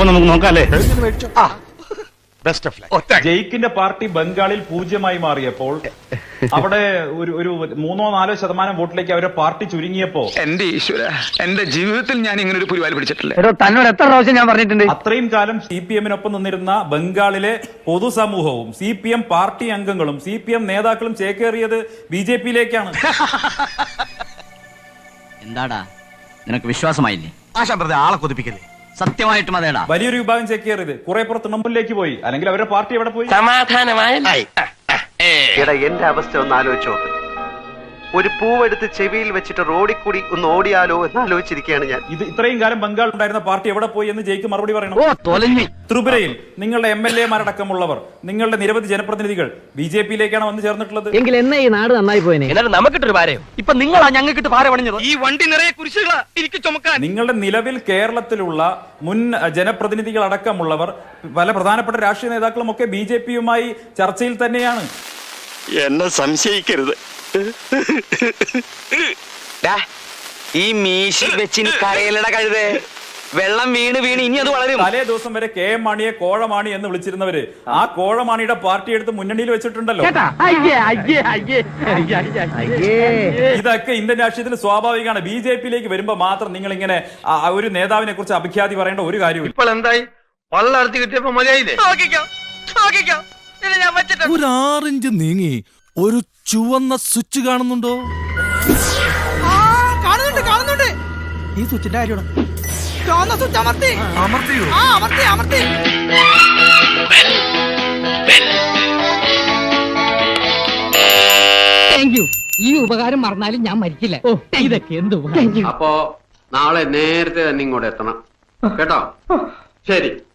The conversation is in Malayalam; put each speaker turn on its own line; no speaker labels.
അപ്പൊ നമുക്ക് നോക്കാം അല്ലേ?
ജയിക്കിന്റെ പാർട്ടി ബംഗാളിൽ 0 മാറിയപ്പോൾ അവിടെ ഒരു 3-4% വോട്ടിലേക്ക് അവരുടെ പാർട്ടി ചുരുങ്ങിയപ്പോ
എന്റെ ഈശ്വര, എന്റെ ജീവിതത്തിൽ ഞാൻ ഇങ്ങനെ ഒരു പുരിവാലി പിടിച്ചിട്ടില്ല.
തന്നോട് എത്ര പ്രാവശ്യം ഞാൻ പറഞ്ഞിട്ടുണ്ട്?
അത്രയും കാലം CPM-നൊപ്പം നിന്നിരുന്ന ബംഗാളിലെ പൊതുസമൂഹവും CPM പാർട്ടി അംഗങ്ങളും CPM നേതാക്കളും ചേക്കേറിയത് BJP-യിലേക്കാണ്.
എന്താടാ നിനക്ക് വിശ്വാസമായില്ലേ?
ആളെ കൊതിപ്പിക്കല്ലേ?
സത്യമായിട്ടും അതേടാ.
വലിയൊരു വിഭാഗം ചേക്കേറിയത് കുറെ പുറ തൃണമൂലിലേക്ക് പോയി, അല്ലെങ്കിൽ അവരുടെ പാർട്ടി എവിടെ പോയി?
എന്റെ അവസ്ഥ ഒന്ന് ആലോചിച്ചോ. ഒരു പൂവെടുത്ത് ചെവിയിൽ വെച്ചിട്ട് റോഡിൽ കൂടി ഒന്ന് ഓടിയാലോ എന്ന് ആലോചിച്ചിരിക്കുകയാണ് ഞാൻ.
ഇത്രയും കാലം ബംഗാൾ ഉണ്ടായിരുന്ന പാർട്ടി എവിടെ പോയി എന്ന് ജയിക്ക് മറുപടി പറയണം. ത്രിപുരയിൽ നിങ്ങളുടെ MLA-മാരടക്കമുള്ളവർ, നിങ്ങളുടെ നിരവധി ജനപ്രതിനിധികൾ BJP-യിലേക്കാണ് വന്ന് ചേർന്നിട്ടുള്ളത്.
എങ്കിൽ എന്നെ ഈ നാട് നന്നായി പോയനെ.
നമുക്കിട്ടൊരു പാരയോ? ഇപ്പൊ നിങ്ങളാ ഞങ്ങൾക്കിട്ട് പാര പണിഞ്ഞത്. ഈ വണ്ടി നിറയെ കുരിശുകളാ എനിക്ക് ചുമക്കാൻ.
നിങ്ങളുടെ നിലവിൽ കേരളത്തിലുള്ള മുൻ ജനപ്രതിനിധികൾ അടക്കമുള്ളവർ, പല പ്രധാനപ്പെട്ട രാഷ്ട്രീയ നേതാക്കളും ഒക്കെ BJP-യുമായി ചർച്ചയിൽ തന്നെയാണ്.
എന്നെ സംശയിക്കരുത്.
ഈ മീശി വെച്ചിന് കരയിലട കഴുതേ. വെള്ളം വീണ് ഇനി അത് വളരും.
തലേ ദിവസം വരെ KM മാണിയെ കോഴമാണി എന്ന് വിളിച്ചിരുന്നവര് ആ കോഴമാണിയുടെ പാർട്ടി എടുത്ത് മുന്നണിയിൽ വെച്ചിട്ടുണ്ടല്ലോ. ഇതൊക്കെ ഇന്ത്യൻ രാഷ്ട്രീയത്തിൽ സ്വാഭാവികമാണ്. BJP-യിലേക്ക് വരുമ്പോ മാത്രം നിങ്ങൾ ഇങ്ങനെ ഒരു നേതാവിനെ കുറിച്ച് അഭിഖ്യാതി പറയേണ്ട ഒരു കാര്യമില്ല.
ഇപ്പോൾ എന്തായി? വള്ളർത്തി കിട്ടിയപ്പോ മതിയായില്ലേ?
ഒരു 6 ഇഞ്ച് നീങ്ങി ഒരു ചുവന്ന സ്വിച്ച് കാണുന്നുണ്ടോ?
കാണുന്നുണ്ട്. ഈ സ്വിച്ചിന്റെ കാര്യമാണ്. ചുവന്ന സ്വിച്ച് അമർത്തിയോ? അമർത്തി. Thank you. ഈ ഉപകാരം മറന്നാലും ഞാൻ മരിക്കില്ല. ഇതൊക്കെ എന്ത് ഉപകാരം.
അപ്പോ നാളെ നേരത്തെ തന്നെ ഇങ്ങോട്ട് എത്തണം കേട്ടോ. ശരി.